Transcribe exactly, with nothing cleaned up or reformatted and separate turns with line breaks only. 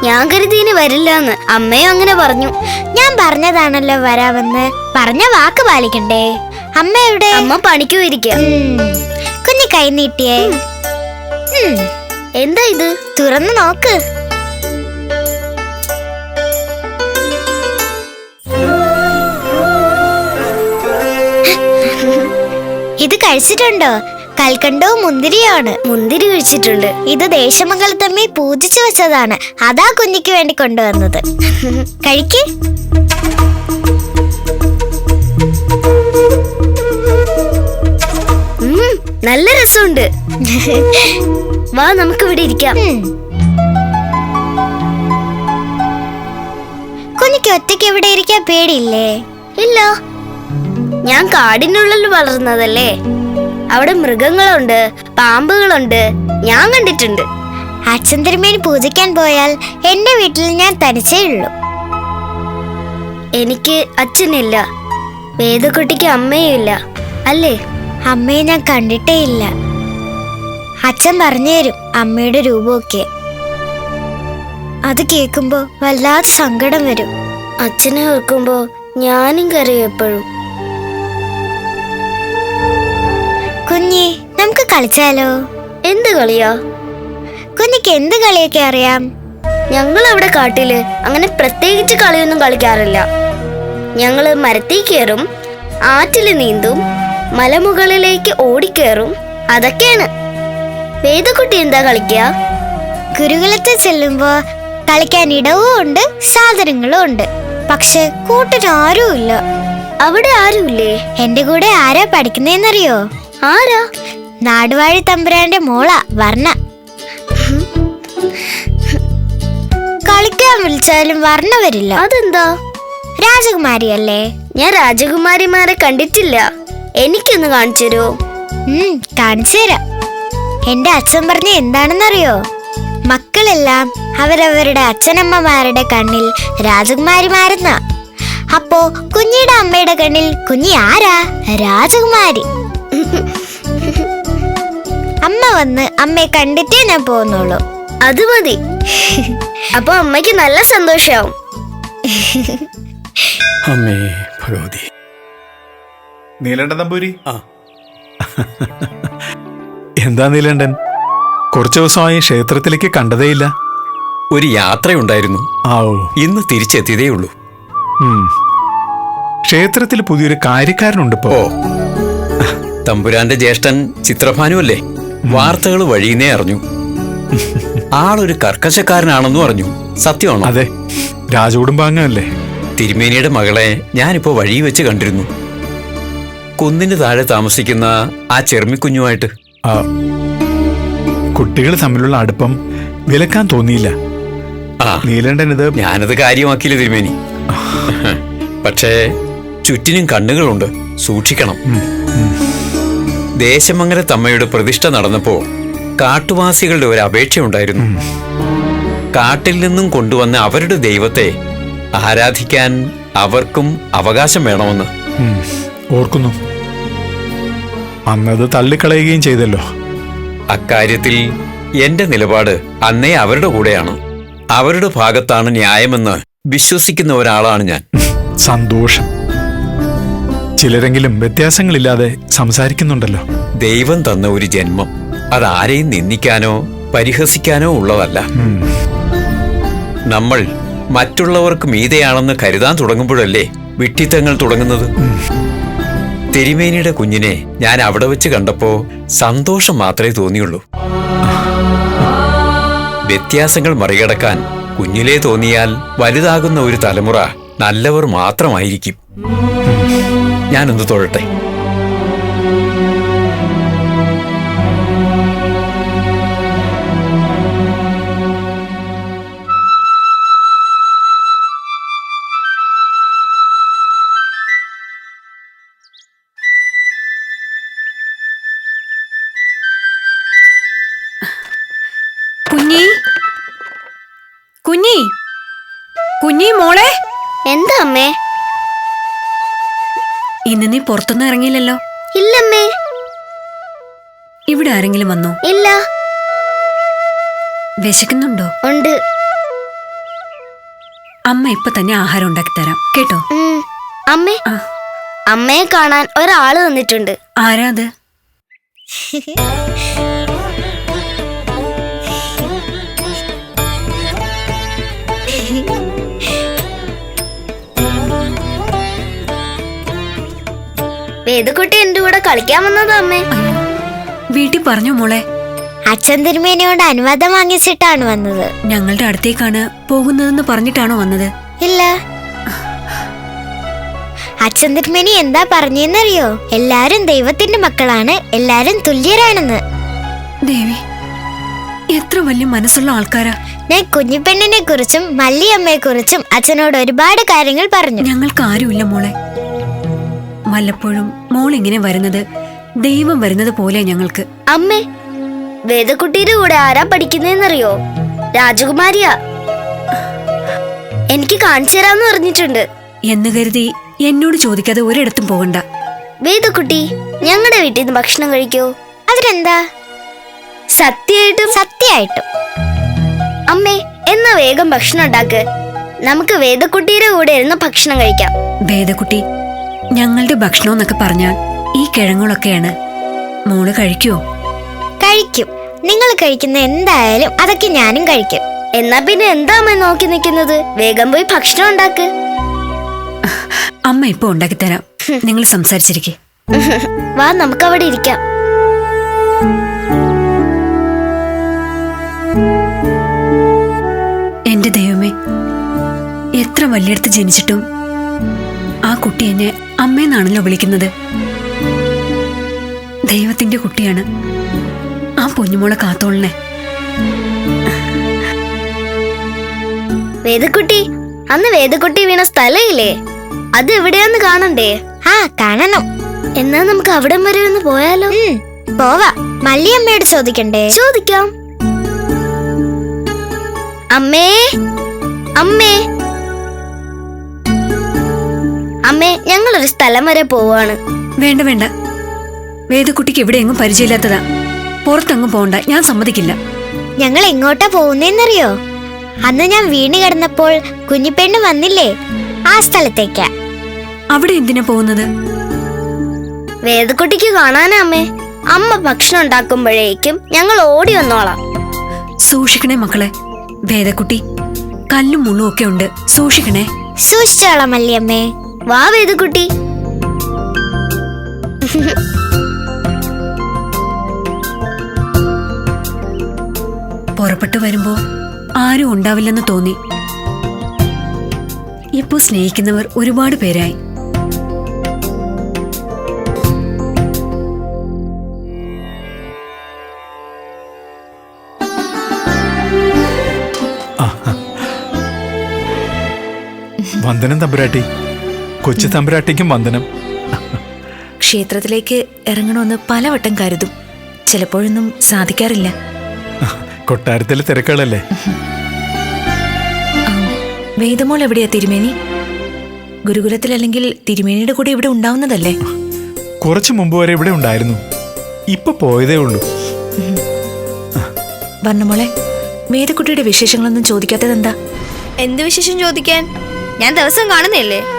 ഞാൻ കരുതിന് വരില്ലെന്ന്. അമ്മയും അങ്ങനെ പറഞ്ഞു.
ഞാൻ പറഞ്ഞതാണല്ലോ വരാമെന്ന്. പറഞ്ഞ വാക്ക് പാലിക്കണ്ടേ? അമ്മ എവിടെ?
അമ്മ പണിക്ക് പോയിരിക്കുക.
കുഞ്ഞി കൈ നീട്ടിയേ.
എന്താ ഇത്?
തുറന്നു നോക്ക്. ഇത് കഴിച്ചിട്ടുണ്ടോ? കൽക്കണ്ടവും മുന്തിരിയാണ്.
മുന്തിരി കഴിച്ചിട്ടുണ്ട്.
ഇത് ദേശമംഗലത്തമ്മി പൂജിച്ചു വെച്ചതാണ്. അതാ കുഞ്ഞിക്ക് വേണ്ടി കൊണ്ടുവന്നത്. കഴിക്ക്.
നല്ല രസമുണ്ട്. വാ, നമുക്ക് ഇവിടെ ഇരിക്കാം.
കുഞ്ഞിക്ക് ഒറ്റയ്ക്ക് ഇവിടെ ഇരിക്കാൻ പേടിയില്ലേ?
ഇല്ല, ഞാൻ കാടിനുള്ളിൽ വളർന്നതല്ലേ. അവിടെ മൃഗങ്ങളുണ്ട്, പാമ്പുകളുണ്ട്, ഞാൻ കണ്ടിട്ടുണ്ട്.
അച്ഛൻ തിരുമേനി പൂജിക്കാൻ പോയാൽ എന്റെ വീട്ടിൽ ഞാൻ തനിച്ചേ ഉള്ളൂ.
എനിക്ക് അച്ഛനില്ല, വേദക്കുട്ടിക്ക് അമ്മയും ഇല്ല അല്ലേ?
അമ്മയെ ഞാൻ കണ്ടിട്ടേ ഇല്ല. അച്ഛൻ പറഞ്ഞു തരും അമ്മയുടെ രൂപമൊക്കെ. അത് കേൾക്കുമ്പോ വല്ലാതെ സങ്കടം വരും.
അച്ഛനെ ഓർക്കുമ്പോ ഞാനും കരയും എപ്പോഴും.
കുഞ്ഞി, നമുക്ക് കളിച്ചാലോ?
എന്ത് കളിയാ?
കുഞ്ഞിക്ക് എന്ത് കളിയൊക്കെ അറിയാം?
ഞങ്ങൾ അവിടെ കാട്ടില് അങ്ങനെ പ്രത്യേകിച്ച് കളിയൊന്നും കളിക്കാറില്ല. ഞങ്ങള് മരത്തിൽ കയറും, ആറ്റില് നീന്തും, മലമുകളിലേക്ക് ഓടിക്കേറും, അതൊക്കെയാണ്. വേദക്കുട്ടി എന്താ കളിക്കുക?
ഗുരുകുലത്തിൽ ചെല്ലുമ്പോ കളിക്കാൻ ഇടവും ഉണ്ട്, സാധനങ്ങളും ഉണ്ട്. പക്ഷെ കൂട്ടിന് ആരുമില്ല.
അവിടെ ആരുമില്ലേ?
എന്റെ കൂടെ ആരാ പഠിക്കുന്നേന്നറിയോ?
ആരാ?
നാടുവാഴി തമ്പുരാന്റെ മോളാ വർണ്ണ. കളിക്കാൻ വിളിച്ചാലും വർണ്ണ വരില്ല.
അതെന്താ?
രാജകുമാരിയല്ലേ.
ഞാൻ രാജകുമാരിമാരെ കണ്ടിട്ടില്ല. എനിക്കൊന്ന് കാണിച്ചു തരുമോ?
ഉം കാണിച്ചു തരാം. എന്റെ അച്ഛൻ പറഞ്ഞ എന്താണെന്നറിയോ? മക്കളെല്ലാം അവരവരുടെ അച്ഛനമ്മമാരുടെ കണ്ണിൽ രാജകുമാരിമാരെന്ന. അപ്പോ കുഞ്ഞിയുടെ അമ്മയുടെ കണ്ണിൽ കുഞ്ഞി ആരാ? രാജകുമാരി. അമ്മ വന്ന് അമ്മയെ കണ്ടിട്ടേ ഞാൻ പോകുന്നുള്ളൂ.
അത് മതി. അപ്പൊ അമ്മയ്ക്ക് നല്ല സന്തോഷാവും.
അമ്മേ ഭഗവതി.
നീലണ്ടൻ നമ്പൂരി.
ആ
എന്താ നീലണ്ടൻ, കുറച്ചു ദിവസമായി ക്ഷേത്രത്തിലേക്ക് കണ്ടതേയില്ല.
ഒരു യാത്രയുണ്ടായിരുന്നു.
ആവോ,
ഇന്ന് തിരിച്ചെത്തിയതേ ഉള്ളൂ.
ക്ഷേത്രത്തിൽ പുതിയൊരു കാര്യക്കാരനുണ്ട് ഇപ്പോ.
ഓ, തമ്പുരാന്റെ ജ്യേഷ്ഠൻ ചിത്രഭാനു അല്ലേ? വാർത്തകൾ വഴിയുന്നേ അറിഞ്ഞു. ആളൊരു കർക്കശക്കാരനാണെന്നും അറിഞ്ഞു. സത്യമാണോ?
അതെ, രാജകുടുംബാംഗമല്ലേ.
തിരുമേനിയുടെ മകളെ ഞാനിപ്പോ വഴി വെച്ച് കണ്ടിരുന്നു. കുന്നിന് താഴെ താമസിക്കുന്ന ആ ചെറുമിക്കുഞ്ഞുമായിട്ട്.
കുട്ടികൾ തമ്മിലുള്ള അടുപ്പം വിലക്കാൻ തോന്നിയില്ല.
ആ,
നീലണ്ടൻ ഇത്
ഞാനത് കാര്യമാക്കിയില്ല തിരുമേനി. പക്ഷേ ചുറ്റിനും കണ്ണുകളുണ്ട്, സൂക്ഷിക്കണം. ദേശമംഗല തമ്മയുടെ പ്രതിഷ്ഠ നടന്നപ്പോ കാട്ടുവാസികളുടെ ഒരു അപേക്ഷയുണ്ടായിരുന്നു. കാട്ടിൽ നിന്നും കൊണ്ടുവന്ന അവരുടെ ദൈവത്തെ ആരാധിക്കാൻ അവർക്കും അവകാശം വേണമെന്ന്.
ഓർക്കുന്നു, അന്നത് തള്ളിക്കളയുകയും ചെയ്തല്ലോ.
അക്കാര്യത്തിൽ എന്റെ നിലപാട് അന്നേ അവരുടെ കൂടെയാണ്. അവരുടെ ഭാഗത്താണ് ന്യായമെന്ന് വിശ്വസിക്കുന്ന ഒരാളാണ് ഞാൻ.
സന്തോഷം. ചിലരെങ്കിലും വ്യത്യാസങ്ങളില്ലാതെ സംസാരിക്കുന്നുണ്ടല്ലോ.
ദൈവം തന്ന ഒരു ജന്മം അതാരെയും നിന്ദിക്കാനോ പരിഹസിക്കാനോ ഉള്ളതല്ല. നമ്മൾ മറ്റുള്ളവർക്ക് മീതെയാണെന്ന് കരുതാൻ തുടങ്ങുമ്പോഴല്ലേ വിഡ്ഢിത്തങ്ങൾ തുടങ്ങുന്നത്. തിരുമേനിയുടെ കുഞ്ഞിനെ ഞാൻ അവിടെ വെച്ച് കണ്ടപ്പോ സന്തോഷം മാത്രമേ തോന്നിയുള്ളൂ. വ്യത്യാസങ്ങൾ മറികടക്കാൻ കുഞ്ഞിലേ തോന്നിയാൽ വലുതാകുന്ന ഒരു തലമുറ നല്ലവർ മാത്രമായിരിക്കും. ഞാനൊന്ന് തൊഴട്ടെ.
കുഞ്ഞി, കുഞ്ഞി, കുഞ്ഞി മോളെ.
എന്താ അമ്മേ?
ഇന്ന് നീ പുറത്തൊന്നും ഇറങ്ങിയില്ലല്ലോ.
ഇല്ലമ്മേ.
ഇവിടെ ആരെങ്കിലും വന്നോ?
ഇല്ല.
വിശക്കുന്നുണ്ടോ?
ഉണ്ട്.
അമ്മ ഇപ്പൊ തന്നെ ആഹാരം ഉണ്ടാക്കി തരാം കേട്ടോ.
ഉം. അമ്മേ
ആ.
അമ്മയെ കാണാൻ ഒരാള് വന്നിട്ടുണ്ട്.
ആരാ അത്?
വേദക്കുട്ടി എന്റെ കൂടെ കളിക്കാൻ വന്നതാ അമ്മേ.
വീട്ടിൽ പറഞ്ഞു മോളെ.
അച്ഛൻ തിരുമേനിയോട് അനുവാദം വാങ്ങിച്ചിട്ടാണ് വന്നത്.
ഞങ്ങളുടെ അടുത്തേക്കാണ് പോകുന്നതെന്ന് പറഞ്ഞിട്ടാണോ വന്നത്?
ഇല്ല, അച്ഛൻ തിരുമേനി എന്താ പറഞ്ഞെന്നറിയോ? എല്ലാരും ദൈവത്തിന്റെ മക്കളാണ്, എല്ലാരും തുല്യരാണെന്ന്.
ദേവി, എത്ര വലിയ മനസ്സുള്ള ആൾക്കാരാ.
ഞാൻ കുഞ്ഞിപ്പെണ്ണിനെ കുറിച്ചും മല്ലിയമ്മയെ കുറിച്ചും അച്ഛനോട് ഒരുപാട് കാര്യങ്ങൾ പറഞ്ഞു.
ഞങ്ങൾക്ക് ആരുമില്ല മോളെ. വല്ലപ്പോഴും മോൾ ഇങ്ങനെ വരുന്നത് ദൈവം വരുന്നത് പോലെ ഞങ്ങൾക്ക്.
അമ്മേ, വേദക്കുട്ടിയുടെ കൂടെ ആരാ പഠിക്കുന്നതെന്നറിയോ? രാജകുമാരിയാ. എനിക്ക് കാണിച്ചു തരാന്ന് പറഞ്ഞിട്ടുണ്ട്.
എന്ന് കരുതി എന്നോട് ചോദിക്കാതെ ഒരിടത്തും പോകണ്ട.
വേദക്കുട്ടി, ഞങ്ങളുടെ വീട്ടിൽ നിന്ന് ഭക്ഷണം കഴിക്കോ?
അതിനെന്താ?
സത്യമായിട്ടും?
സത്യമായിട്ടും.
അമ്മേ, എന്നാ വേഗം ഭക്ഷണം ഉണ്ടാക്ക്. നമുക്ക് വേദക്കുട്ടിയുടെ കൂടെ ഇരുന്ന് ഭക്ഷണം കഴിക്കാം.
വേദക്കുട്ടി, ഞങ്ങളുടെ ഭക്ഷണം എന്നൊക്കെ പറഞ്ഞാൽ ഈ കിഴങ്ങുകളൊക്കെയാണ്. മോള് കഴിക്കുവോ?
കഴിക്കും. നിങ്ങൾ കഴിക്കുന്ന എന്തായാലും അതൊക്കെ ഞാനും കഴിക്കും.
എന്നാ പിന്നെ എന്താ അമ്മ നോക്കി നിൽക്കുന്നത്? വേഗം പോയി ഭക്ഷണം ഉണ്ടാക്ക്.
അമ്മ ഇപ്പൊ ഉണ്ടാക്കി തരാം. നിങ്ങൾ സംസാരിച്ചിരിക്കെ.
വാ, നമുക്ക് അവിടെ ഇരിക്കാം.
എന്റെ ദൈവമേ, എത്ര വലിയടത്ത് ജനിച്ചിട്ടും ആ കുട്ടി എന്നെ അമ്മയെന്നാണല്ലോ വിളിക്കുന്നത്. ദൈവത്തിന്റെ കുട്ടിയാണ്. ആ പൊന്നുമോളെ കാത്തോളണേ.
വേദക്കുട്ടി, അന്ന് വേദക്കുട്ടി വീണ സ്ഥലയില്ലേ, അത് എവിടെയാന്ന് കാണണ്ടേ?
ആ, കാണണം.
എന്നാ നമുക്ക് അവിടം വരെ ഒന്ന് പോയാലോ?
ഉം, പോവാ. മല്ലിയമ്മയോട് ചോദിക്കണ്ടേ?
ചോദിക്കാം. അമ്മേ, അമ്മേ, അമ്മേ, ഞങ്ങളൊരു സ്ഥലം വരെ പോവാണ്.
വേണ്ട വേണ്ട, വേദക്കുട്ടിക്ക് ഇവിടെ എങ്ങും പരിചയമില്ലാത്തതാ. പുറത്തെങ്ങും പോകണ്ട, ഞാൻ സമ്മതിക്കില്ല.
ഞങ്ങൾ എങ്ങോട്ടാ പോകുന്നേന്നറിയോ? അന്ന് ഞാൻ വീണ് കിടന്നപ്പോൾ കുഞ്ഞിപ്പെണ്ണ് വന്നില്ലേ, ആ സ്ഥലത്തേക്കാ.
അവിടെ എന്തിനാ പോകുന്നത്?
വേദക്കുട്ടിക്ക് കാണാനാ അമ്മേ. അമ്മ ഭക്ഷണം ഉണ്ടാക്കുമ്പോഴേക്കും ഞങ്ങൾ ഓടി വന്നോളാം.
സൂക്ഷിക്കണേ മക്കളെ. വേദക്കുട്ടി, കല്ലും മുള്ളും ഒക്കെ ഉണ്ട്, സൂക്ഷിക്കണേ.
സൂക്ഷിച്ചോളാം മല്ലിയമ്മേ.
വാ വേദക്കുട്ടി.
പുറപ്പെട്ടു വരുമ്പോ ആരും ഉണ്ടാവില്ലെന്ന് തോന്നി. ഇപ്പോ സ്നേഹിക്കുന്നവർ ഒരുപാട് പേരായി.
വന്ദനം തമ്പുരാട്ടി. കൊച്ചു തമ്പുരാട്ടിക്കും വന്ദനം.
ക്ഷേത്രത്തിലേക്ക് ഇറങ്ങണമെന്ന് പലവട്ടം കരുതും, ചിലപ്പോഴൊന്നും സാധിക്കാറില്ല.
കൊട്ടാരത്തിലെ തിരക്കുകളല്ലേ.
വേദമോൾ എവിടെയാ തിരുമേനി? ഗുരുകുലത്തിലല്ലെങ്കിൽ തിരുമേനിയുടെ കൂടെ ഇവിടെ ഉണ്ടാവുന്നതല്ലേ?
കുറച്ചു മുമ്പ് വരെ ഇവിടെ ഉണ്ടായിരുന്നു, ഇപ്പൊ പോയതേ ഉള്ളൂ.
വർണ്ണമോളെ, വേദക്കുട്ടിയുടെ വിശേഷങ്ങളൊന്നും ചോദിക്കാത്തതെന്താ?
എന്ത് വിശേഷം ചോദിക്കാൻ? ഞാൻ ദിവസം കാണുന്നില്ലേ?